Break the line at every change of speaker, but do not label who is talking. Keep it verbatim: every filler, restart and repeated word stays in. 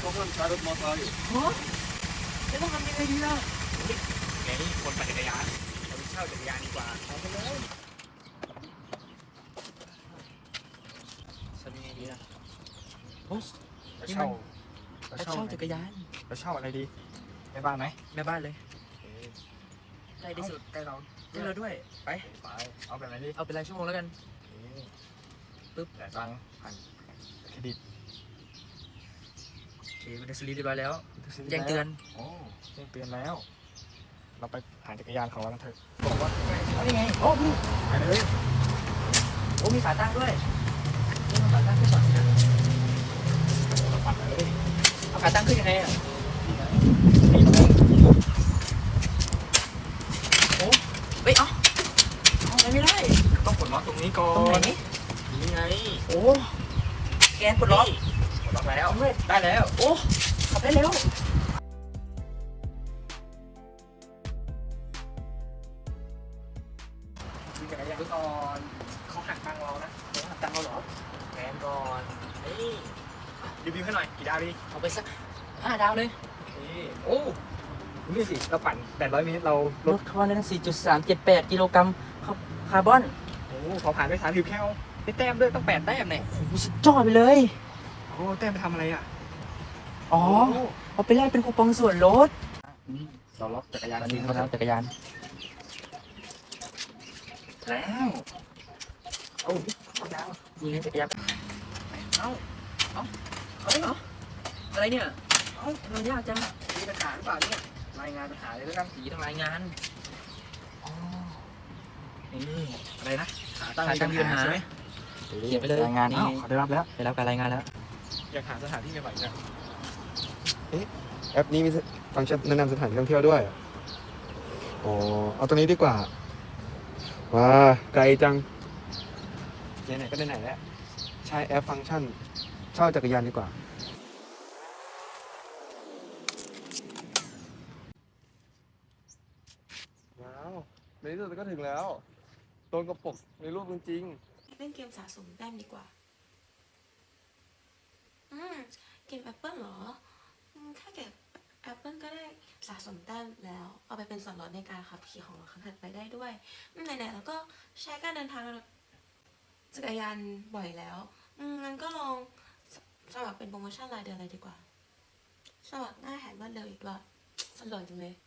เขาห้ามใช้รถมอเตอร์ไซค์
ฮะจะต้องทำยังไงดีล่ะ
ไงนี่คนปั่นจักรยานเราไปเช่าจักรยานดีกว่าเอาไปเลย
ทำยังไงดีล่ะโอ้
ไปเช่าไป
เช่าจักรยาน
ไปเช่าอะไรดีไปบ้านไหม
แม่บ้านเลยใกล้ที่สุด
ใกล้เรา
ใกล้เราด้วยไป
ไปเอาแบบไหนดี
เอาเป็นรายชั่วโมงแล้วกัน
ปึ๊บแต่ตังค์ผ่านเครดิต
โอเคมันได้สลีปเรียบร้อยแล้วแจ้งเตือน
โอ้แจ้งเตือนแล้ว เราไปหาจักรยานของเรากันเถอะ
บอกว่าเอาได้ไงโอ้พี่
ไปเลย
โอ้มีขาตั้งด้วยนี่มันขาตั้งขึ้นก่อนนะ
เราปั่นเลย
เอาขาตั้งขึ้นยังไงอ่ะ
นี่ตรงนี้
โอ้เฮ้ยเอ้าเอาไม่ได้
ต้องกดล็อกตรงนี้ก่อน
ตรงไหน
นี่ไง
โอ้แกนปลดล็อก
กดล็อกแล้ว
เอาเลย
ได้แล้ว
โอ้ขับได้แล้ว
มีจักรยานก่อนเขาหักตังค์เรานะ
เดี๋ยวหักตังค์เราเหรอ
แกนก่อนนี่รีวิวให้หน่อยกี่ดาวดี
เอาไปสักห้าดาวเลย
โอเคโอ้นี่สิเราปั่นแปดร้อยเมตรเราล
ล
ด
ดคาร์บอนได้ตั้ง สี่จุดสามเจ็ดแปด กิโลกรัมคาร์บอน
โอ้พอผ่านไปสามสิบแคลได้แต้มด้วยต้องแปดแต้มเนี่ย
โอ้โหสุดยอดไปเลย
โอ้แต้มไปทำอะไรอ่ะ
อ๋อ เอาไปแลกเป็นคูปองส่วนลด
เราล็อกจักรยาน
วันนี้เขาแล้วจักรยาน
แล้วโอ้เอาดาว
นี่ไงจักรยาน เอ้า เอ้าเอาได้เหรอ อะไรเนี่ย เอ้าทำไมยากจัง
มีปัญหาหรือเปล่าเนี่ยรายงานปัญหาเลยแล้วกัน
ผีต้องรายงาน
อ๋อนี่อะไรนะขาตั้ง
ขาตั้งมีปัญหา
ใช่ไหม
เขียนไปเลย
รายงาน
นี่
อ้าวขอได้รับแล้ว
ได้รับการรายงานแล้ว
อยากหาสถานที่ใหม่ๆนะ
แอปนี้มีฟังก์ชันแนะนำสถานที่ท่องเที่ยวด้วยอ๋อเอาตัวนี้ดีกว่าว้าไกลจังไหนๆก็ไหนๆแล้วใช้แอปฟังก์ชันเช่าจักรยานดีกว่าว้าวในที่สุดก็ถึงแล้วตรงกับปกในรูปจริง
เล่นเกมสะสมแต้มดีกว่า อืม เกมแอปเปิลเหรออืมแค่เก็บแอปเปิลก็ได้สะสมแต้มแล้ว เอาไปเป็นส่วนลดในการขับขี่ของเราครั้งถัดไปได้ด้วยอืมไหนๆแล้วก็ใช้การเดินทางจักรยานบ่อยแล้ว อืมงั้นก็ลองสสมัครเป็นโปรโมชั่นรายเดือนเลยดีกว่า สมัครง่ายแถมรวดเร็วอีกด้วยสะดวกจังเลย